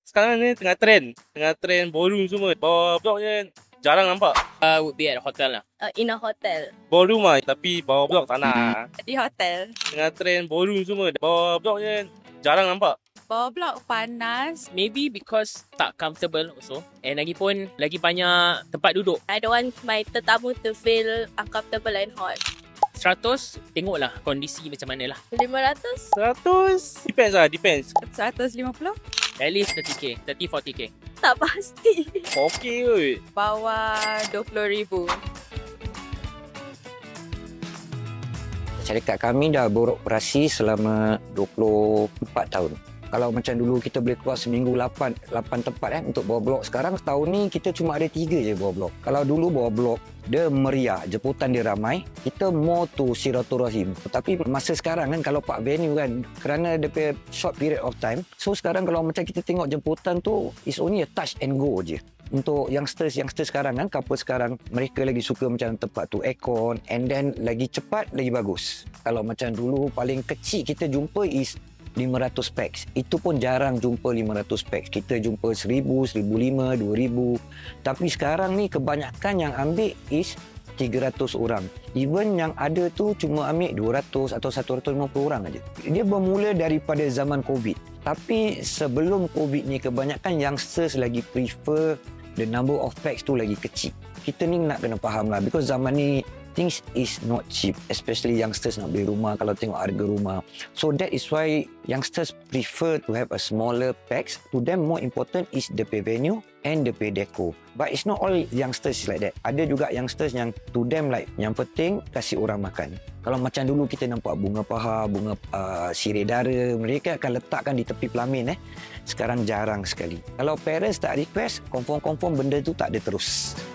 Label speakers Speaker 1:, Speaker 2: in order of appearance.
Speaker 1: Sekarang ni tengah trend ballroom semua. Bawah blok je jarang nampak.
Speaker 2: Would be at a hotel lah.
Speaker 3: In a hotel.
Speaker 1: Ballroom lah tapi bawah blok tak nak.
Speaker 3: Di hotel.
Speaker 1: Tengah trend ballroom semua. Bawah blok je jarang nampak.
Speaker 3: Bawah blok panas.
Speaker 2: Maybe because tak comfortable also. And lagipun lagi banyak tempat duduk.
Speaker 3: I don't want my tetamu to feel uncomfortable and hot.
Speaker 2: 100, tengoklah kondisi macam mana lah.
Speaker 3: 500?
Speaker 1: 100 depends.
Speaker 3: 150?
Speaker 2: At least 30k, 30-40k.
Speaker 3: Tak pasti.
Speaker 1: Okay kot.
Speaker 3: Bawah 20,000.
Speaker 4: Syarikat kami dah beroperasi selama 24 tahun. Kalau macam dulu kita boleh keluar seminggu 8 tempat untuk bawah blok. Sekarang setahun ni kita cuma ada 3 je bawah blok. Kalau dulu bawah blok dia meriah, jemputan dia ramai, kita more to silaturahim. Tapi masa sekarang kan kalau pak venue kan, kerana dia punya short period of time, so sekarang kalau macam kita tengok jemputan tu is only a touch and go je. Untuk youngsters sekarang kan, couple sekarang, mereka lagi suka macam tempat tu aircon and then lagi cepat, lagi bagus. Kalau macam dulu paling kecil kita jumpa is 500 packs. Itu pun jarang jumpa 500 packs. Kita jumpa 1,000, 1,500, 2,000. Tapi sekarang ni kebanyakan yang ambil is 300 orang. Even yang ada tu cuma ambil 200 atau 150 orang aja. Dia bermula daripada zaman COVID. Tapi sebelum COVID ni kebanyakan youngsters lagi prefer the number of packs tu lagi kecil. Kita ni nak kena faham lah because zaman ni things is not cheap, especially youngsters nak beli rumah kalau tengok harga rumah. So that is why youngsters prefer to have a smaller packs. To them more important is the pay venue and the pay deco. But it's not all youngsters like that. Ada juga youngsters yang to them like yang penting kasih orang makan. Kalau macam dulu kita nampak bunga paha, bunga sirih dara, mereka akan letakkan di tepi pelamin. Sekarang jarang sekali. Kalau parents tak request, confirm benda tu tak ada terus.